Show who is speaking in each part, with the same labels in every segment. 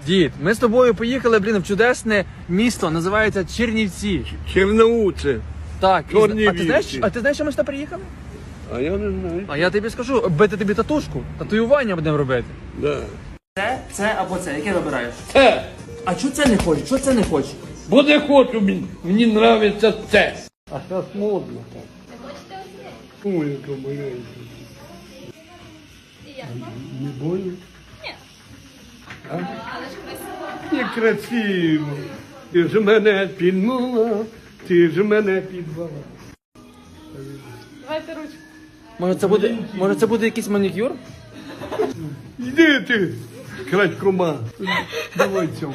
Speaker 1: Дід, ми з тобою поїхали, в чудесне місто, називається Чернівці.
Speaker 2: Черноуце.
Speaker 1: Так,
Speaker 2: Чернівці.
Speaker 1: а ти знаєш, що ми сюди приїхали?
Speaker 2: А я не знаю.
Speaker 1: А я тобі скажу, бити тобі татушку, татуювання будемо робити.
Speaker 2: Да.
Speaker 1: Це або це, яке вибираєш?
Speaker 2: Це.
Speaker 1: А чого це не хочеш? Чого це не хочеш?
Speaker 2: Бо не хочу, мені нравиться це. А зараз модно так. Ой, яка маленька. Не больно?
Speaker 3: Ні.
Speaker 2: А?
Speaker 3: Але ж красиво.
Speaker 2: І красиво. Ти ж мене підмала, ти ж мене підвала.
Speaker 3: Давайте ручку.
Speaker 1: Може це буде якийсь манікюр?
Speaker 2: Йди ти, крадькома. Давай цьому.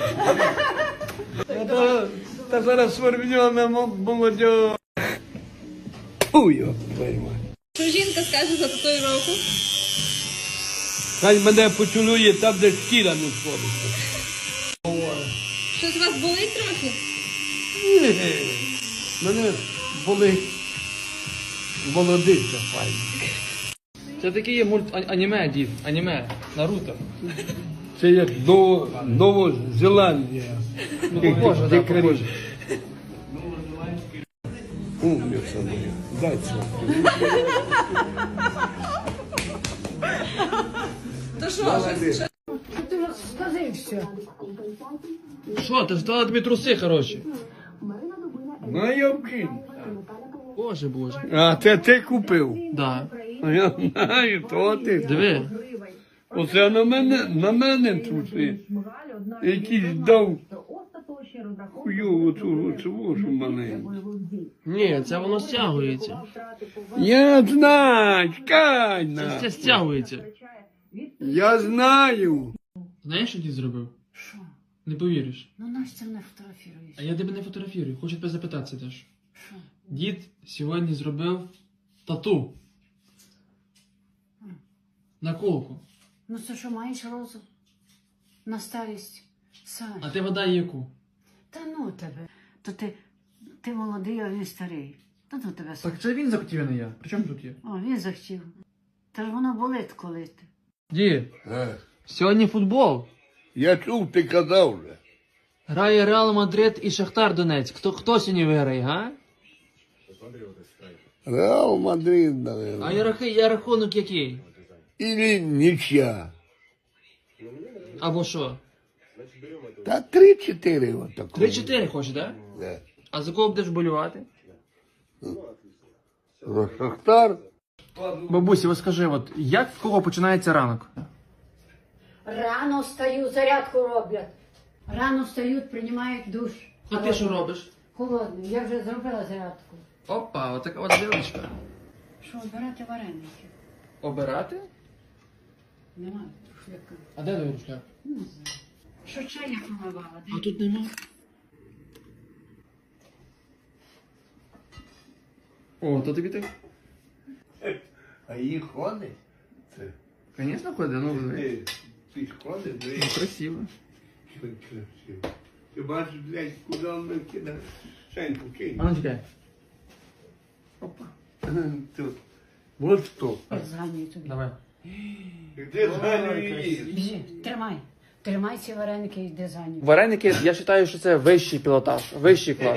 Speaker 2: Та зараз свербньона молодь. Фу, його пойма.
Speaker 3: Що жінка скаже за татуїровку?
Speaker 2: Хай мене поцілує там, де шкіра не сходиться.
Speaker 3: Щось у вас болить трохи?
Speaker 2: Ні, мене болить молодиця файна.
Speaker 1: Це такий є аніме, дід, аніме, Наруто.
Speaker 2: Це як Новозеландія.
Speaker 1: Ну, похоже, так, похоже.
Speaker 2: Умниця моя, дай це.
Speaker 3: То що?
Speaker 4: Ти сказився.
Speaker 1: Що, ти ж дала тобі труси, хороші?
Speaker 2: Ну, я вкинь.
Speaker 1: Боже.
Speaker 2: А це ти купив?
Speaker 1: Да.
Speaker 2: А я знаю, то ти.
Speaker 1: Диви.
Speaker 2: Оце на мене труси. Якийсь дав хуйову цю маленьку.
Speaker 1: Ні, це воно стягується.
Speaker 2: Я знаю, чекай
Speaker 1: Це
Speaker 2: на.
Speaker 1: стягується.
Speaker 2: Я знаю.
Speaker 1: Знаєш, що дід зробив?
Speaker 4: Що?
Speaker 1: Не повіриш.
Speaker 4: Ну Настя не фотографіруєш.
Speaker 1: А я тебе не фотографірую, хочу тебе запитатися теж.
Speaker 4: Що?
Speaker 1: Дід сьогодні зробив тату. На колку.
Speaker 4: Ну це що, маєш розум? На старість? Сань.
Speaker 1: А ти вода яку?
Speaker 4: Та ну тебе. То ти молодий, а він старий. Та ну тебе Сань.
Speaker 1: Так це він захотів, а не я. При чому тут є?
Speaker 4: О, він захотів. Та ж воно болить коли ти.
Speaker 1: Дід, сьогодні футбол.
Speaker 2: Я чув, ти казав вже.
Speaker 1: Грає Реал Мадрид і Шахтар Донецьк. Хто сьогодні виграє, га?
Speaker 2: Реал Мадрид, наверное.
Speaker 1: А я рахунок який?
Speaker 2: Или нічия.
Speaker 1: Або що?
Speaker 2: Та 3-4 отако.
Speaker 1: 3-4 хочеш, так?
Speaker 2: Да.
Speaker 1: А за кого будеш болювати?
Speaker 2: Шахтар.
Speaker 1: Бабусі, ось скажи, от як в кого починається ранок?
Speaker 4: Рано встаю, зарядку роблять. Рано встають, приймають душ.
Speaker 1: А ти що робиш?
Speaker 4: Холодний. Я вже зробила зарядку.
Speaker 1: Опа, отака от дівчинка.
Speaker 4: Що, обирати вареники?
Speaker 1: Обирати?
Speaker 4: Немає шляка.
Speaker 1: А де твій рушляк?
Speaker 4: Не знаю. Що чай я помивала?
Speaker 1: А тут нема. О, то тобі так.
Speaker 2: А їх ходить? Це.
Speaker 1: Звісно, ходить, ну
Speaker 2: Ти ж ходиш,
Speaker 1: красиво.
Speaker 2: красиво. Ти бачиш, блядь, куди він кидає? Шеньку кинь.
Speaker 1: А ну чекай.
Speaker 2: Опа. Тут. Вот що.
Speaker 4: Зганюю тобі.
Speaker 1: Давай.
Speaker 2: Де зганюєш?
Speaker 4: Біжи, тримай. Тримай ці вареники і йди за ним.
Speaker 1: Вареники, я вважаю, що це вищий пілотаж, вищий клас.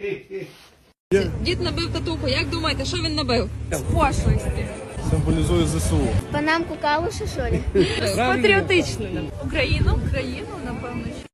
Speaker 3: Дід набив татуху. Як думаєте, що він набив? Пошлості.
Speaker 5: Символізує ЗСУ.
Speaker 6: Панамку калуші, що ли?
Speaker 3: Патріотично. Україну, напевно.